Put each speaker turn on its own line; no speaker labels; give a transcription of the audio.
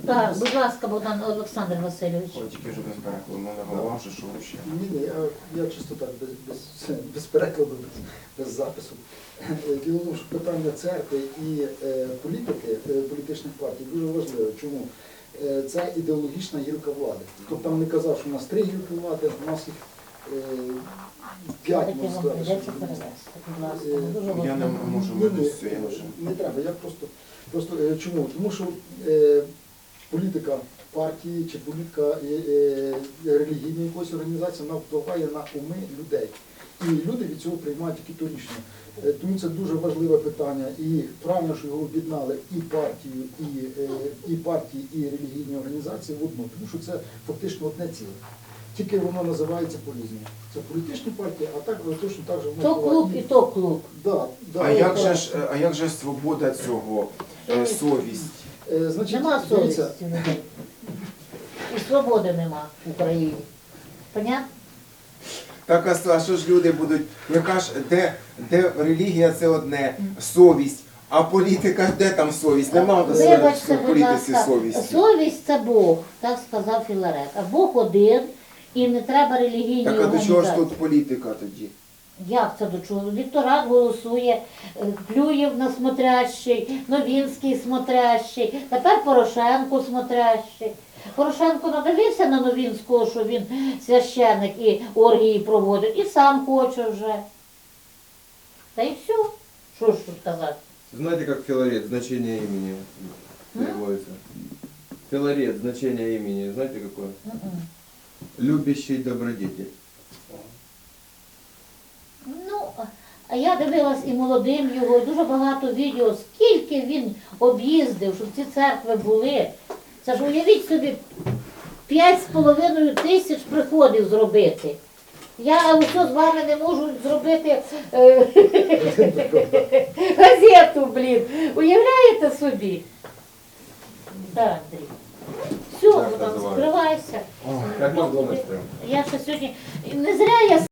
Так, будь ласка, Богдан Олександр Васильович.
Ой, тільки вже без перекладу, мене голова вже що ще.
Ні, я чисто так, без перекладу, без запису. Діло в тому, що питання церкви і політики, політичних партій дуже важливе. Чому? Це ідеологічна гілка влади. Хто б там не казав, що у нас 3 гілки влади, у нас їх 5, можна сказати.
Придеться перевести, будь ласка. Дуже
Я не
важливо.
можу вивести, я вже.
Не треба, я просто чому? Тому що політика партії чи політика релігійної якоїсь організації, вона впливає на уми людей. І люди від цього приймають тільки то рішення. Тому це дуже важливе питання. І правильно, що його об'єднали і партії, і релігійні організації в одну. Тому що це фактично одне ціле. Тільки воно називається по-різному. Це політичні партії, а так точно так же воно
То клуб і то клуб.
Да,
А як же свобода цього, совість?
Значить,
Нема
дивіться,
совісті людей. І свободи нема в Україні. Понятно?
Так, а що ж люди будуть, яка ж, де релігія це одне, совість, а політика, де там совість? Нема
Вибачте,
в
будь
політиці
ласка,
совісті.
совість це Бог, так сказав Філарет. А Бог один, і не треба релігійні
Так, а до
організації.
чого ж тут політика тоді?
Як це до чого? Вікторат голосує, Клюєв на смотрящий, Новінський смотрящий, тепер Порошенко смотрящий. Порошенко надивився на Новінського, що він священник і оргії проводить, і сам хоче вже. Та й все. Що ж тут казати?
Знаете, как Филарет, значение имени переводится? Филарет, значение имени, знаете какое?
Мгм.
Любящий добродетель.
Ну, а я дивилась і молодим його, і дуже багато відео, скільки він об'їздив, щоб ці церкви були. Це ж уявіть собі, 5,5 тисяч приходів зробити. Я ось з вами не можу зробити газету, блін. Уявляєте собі? Так, Андрій. Все,
Так
будь ласка,
називають.
скривайся.
Как Макдональдс прям.
Я ще сьогодні, не зря я